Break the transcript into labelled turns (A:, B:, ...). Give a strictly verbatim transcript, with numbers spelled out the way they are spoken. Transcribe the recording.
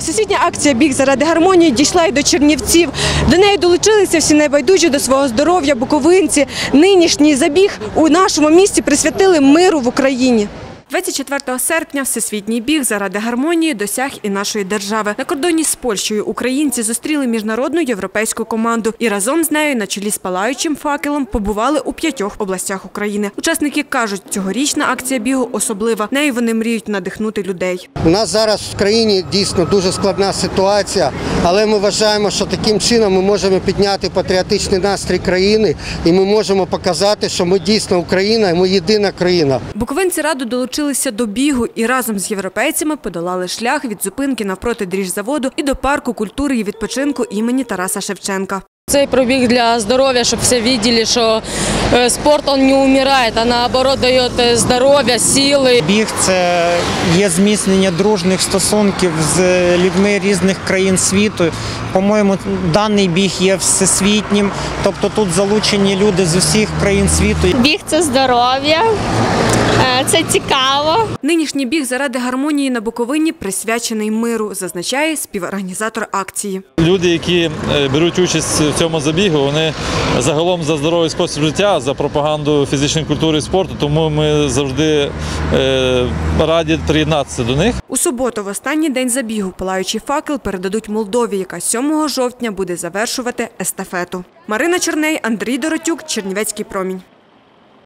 A: Всесвітня акція «Біг заради гармонії» дійшла й до Чернівців. До неї долучилися всі небайдужі до свого здоров'я буковинці. Нинішній забіг у нашому місті присвятили миру в Україні. двадцять четвертого серпня всесвітній біг заради гармонії досяг і нашої держави. На кордоні з Польщею українці зустріли міжнародну європейську команду і разом з нею на чолі з палаючим факелом побували у п'ятьох областях України. Учасники кажуть, цьогорічна акція бігу особлива. Нею вони мріють надихнути людей.
B: У нас зараз в країні дійсно дуже складна ситуація, але ми вважаємо, що таким чином ми можемо підняти патріотичний настрій країни і ми можемо показати, що ми дійсно Україна і ми єдина країна.
A: Буковинці радо долучилися до бігу і разом з європейцями подолали шлях від зупинки навпроти дріжзаводу і до парку культури і відпочинку імені Тараса Шевченка.
C: Цей пробіг для здоров'я, щоб всі бачили, що спорт він не вмирає, а наоборот дає здоров'я, сили.
D: Біг – це є зміцнення дружніх стосунків з людьми різних країн світу. По-моєму, даний біг є всесвітнім, тобто тут залучені люди з усіх країн світу.
E: Біг – це здоров'я, це цікаво.
A: Нинішній біг заради гармонії на Буковині присвячений миру, зазначає співорганізатор акції.
F: Люди, які беруть участь в цьому забігу, вони загалом за здоровий спосіб життя, за пропаганду фізичної культури і спорту, тому ми завжди раді приєднатися до них.
A: У суботу, в останній день забігу, палаючий факел передадуть Молдові, яка сьомого жовтня буде завершувати естафету. Марина Черней, Андрій Доротюк, Чернівецький промінь.